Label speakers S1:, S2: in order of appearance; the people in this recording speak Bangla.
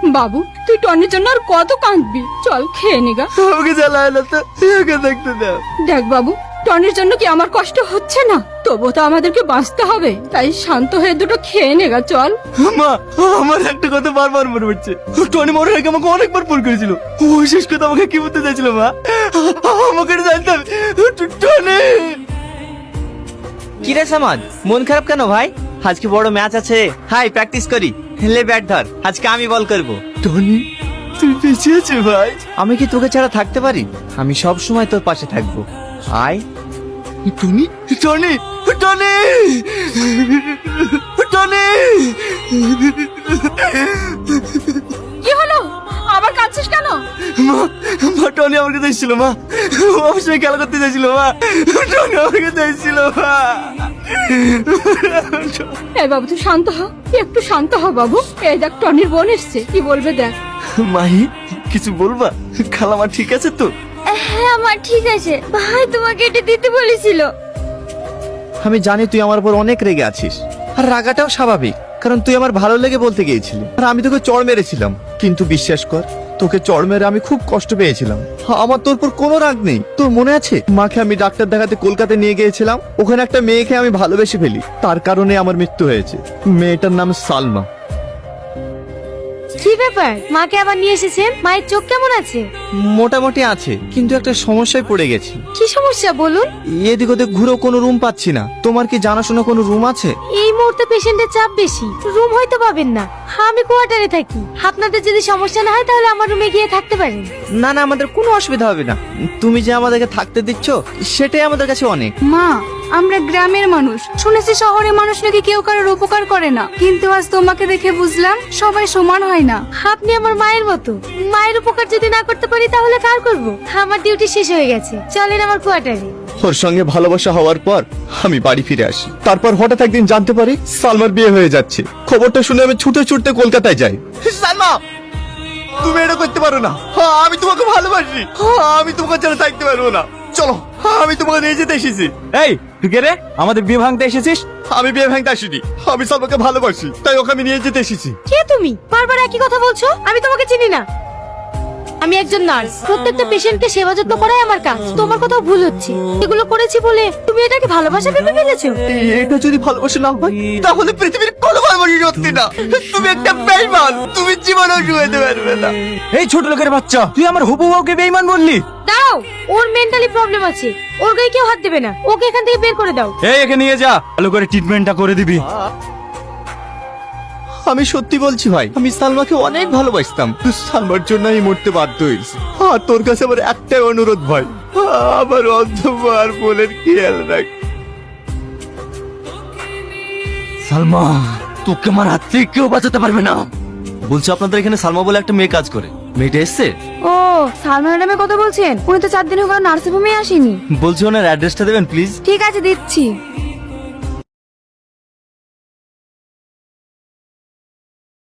S1: বাবু তুই টনির জন্য আর কত কাঁদবি, চল খেয়ে নিগা।
S2: আমাকে জ্বালায় না তো, ওকে দেখতে দাও।
S1: দেখ বাবু, টনির জন্য কি আমার কষ্ট হচ্ছে না? তবু তো আমাদেরকে বাঁচতে হবে, তাই শান্ত হয়ে দুটো খেয়ে নেগা, চল।
S2: মা, আমার একটা কথা বারবার মনে পড়ছে। টনি মরার আগে আমাকে অনেকবার ফোন করেছিল। ও শেষ কথা আমাকে কি বলতে চাইছিল মা? আমাকে জানতাম টনি।
S3: কি রে সামাদ, মন খারাপ কেন ভাই? আজকে বড় ম্যাচ আছে, হাই প্র্যাকটিস করি। লে ব্যাট ধর, আজকে আমি বল করব।
S2: টনি তুই বেঁচে আছিস ভাই?
S3: আমি কি তোকে ছাড়া থাকতে পারি? আমি সব সময় তোর পাশে থাকবো। আয়।
S2: Tony Tony Tony Tony.
S1: কি হলো, আবার কাঁদছিস কেন?
S2: মা, মা টনি আমার কাছে এসেছিল মা। ও আমার সঙ্গে খেলা করতে চাইছিল মা। টনি আমার কাছে এসেছিল মা।
S1: এই বাবু তুই শান্ত হ, একটু শান্ত হ বাবু। এই দেখ টনির বোন এসছে, কি বলবে দেখ।
S2: মাহি কিছু বলবা? খালামা ঠিক আছে তো?
S1: হ্যাঁ আমার ঠিক আছে, ভাই তোমাকে এটা দিতে বলেছিল।
S3: আমি জানি তুই আমার উপর অনেক রেগে আছিস, আর রাগাটাও স্বাভাবিক, কারণ তুই আমার ভালো লেগে বলতে গিয়েছিলি, আর আমি তোকে চড় মেরেছিলাম। কিন্তু বিশ্বাস কর, তোকে চড় মেরে আমি খুব কষ্ট পেয়েছিলাম। আমার তোর উপর কোনো রাগ নেই। তোর মনে আছে মাকে আমি ডাক্তার দেখাতে কলকাতায় নিয়ে গিয়েছিলাম? ওখানে একটা মেয়েকে আমি ভালোবেসে ফেলি, তার কারণে আমার মৃত্যু হয়েছে। মেয়েটার নাম সালমা।
S4: কি ব্যাপার, মাকে আবার নিয়ে এসেছেন? মায়ের চোখ কেমন আছে?
S3: মোটামুটি আছে, কিন্তু একটা সমস্যায় পড়ে গেছি।
S4: কি সমস্যা বলুন?
S3: এদিক ওদিক ঘুরেও কোনো রুম পাচ্ছি না। তোমার কি জানাশোনা কোনো রুম আছে?
S4: এই মুহূর্তে পেশেন্টের চাপ বেশি, রুম হয়তো পাবেন না। আমি কোয়ার্টারে থাকি, আপনাদের যদি সমস্যা না হয় তাহলে আমার রুমে গিয়ে থাকতে পারেন।
S3: না না, আমাদের কোনো অসুবিধা হবে না। তুমি যে আমাদেরকে থাকতে দিচ্ছ সেটাই আমাদের কাছে অনেক।
S1: মা, আমরা গ্রামের মানুষ, শুনেছি শহরের মানুষ নাকি কেউ কারোর উপকার করে না, কিন্তু আজ তোমাকে দেখে বুঝলাম সবাই সমান হয় না।
S4: আপনি আমার মায়ের মতো, মায়ের উপকার যদি না করতে পারি তাহলে কার করব? আমার ডিউটি শেষ হয়ে গেছে, চলেন আমার কোয়ার্টারে।
S2: ওর সঙ্গে ভালোবাসা হওয়ার পর আমি বাড়ি ফিরে আসি। তারপর হঠাৎ একদিন জানতে পারি সালমার বিয়ে হয়ে যাচ্ছে। খবরটা শুনে আমি ছুটে ছুটতে কলকাতায় যাই। সালমা, তুমি এটা করতে পারো না। আমি তোমাকে ভালোবাসি, আমি তোমাকে ছাড়া থাকতে পারবো না। চলো, আমি তোমাকে নিয়ে যেতে এসেছি।
S5: এই তুই কে রে? আমাদের বিয়ে ভাঙতে এসেছিস?
S2: আমি বিয়ে ভাঙতে আসিনি, আমি সালমাকে ভালোবাসি, তাই ওকে আমি নিয়ে যেতে এসেছি।
S4: কে তুমি? বারবার একই কথা বলছো, আমি তোমাকে চিনি না। আমি একজন নার্স, প্রত্যেকটা পেশেন্টকে সেবা যত্ন করাই আমার কাজ। তোমার কোথাও ভুল হচ্ছে, এগুলো করেছি বলে তুমি এটাকে ভালোবাসা ভেবে ফেলেছো?
S2: এটা যদি ভালোবাসা না হয় তাহলে পৃথিবীর কোনো ভালোবাসা সত্যি না। তুমি একটা বেঈমান, তুমি জীবনেও শুয়েতে পারবে না।
S5: এই ছোট লোকের বাচ্চা, তুই আমার হবু বউকে বেঈমান বললি?
S4: দাও, ওর মেন্টালি প্রবলেম আছে, ওর গায়ে কেউ হাত দেবে না। ওকে এখান থেকে বের করে দাও।
S5: এই একে নিয়ে যা, ভালো করে ট্রিটমেন্টটা করে দিবি।
S2: আমি সত্যি বলছি ভাই, আমি সালমাকে অনেক ভালোবাসতাম। তুই সালমার জন্য আমি মরতে বাধ্য হয়েছি। আর তোর কাছে আমার একটাই অনুরোধ ভাই, আমার অন্ধকার বোনের খেয়াল রাখ।
S5: সালমা, তোকে আমার হাত থেকে কেউ বাঁচাতে পারবে না। বলছি আপনাদের এখানে সালমা বলে একটা মেয়ে কাজ করে, মেয়েটা এসছে?
S1: ও, সালমা ম্যাডামের কথা বলছেন? উনি তো 4 দিন হলো নার্সিং হোমে আসেনি।
S5: বলছি ওনার অ্যাড্রেসটা দেবেন প্লিজ।
S1: ঠিক আছে দিচ্ছি।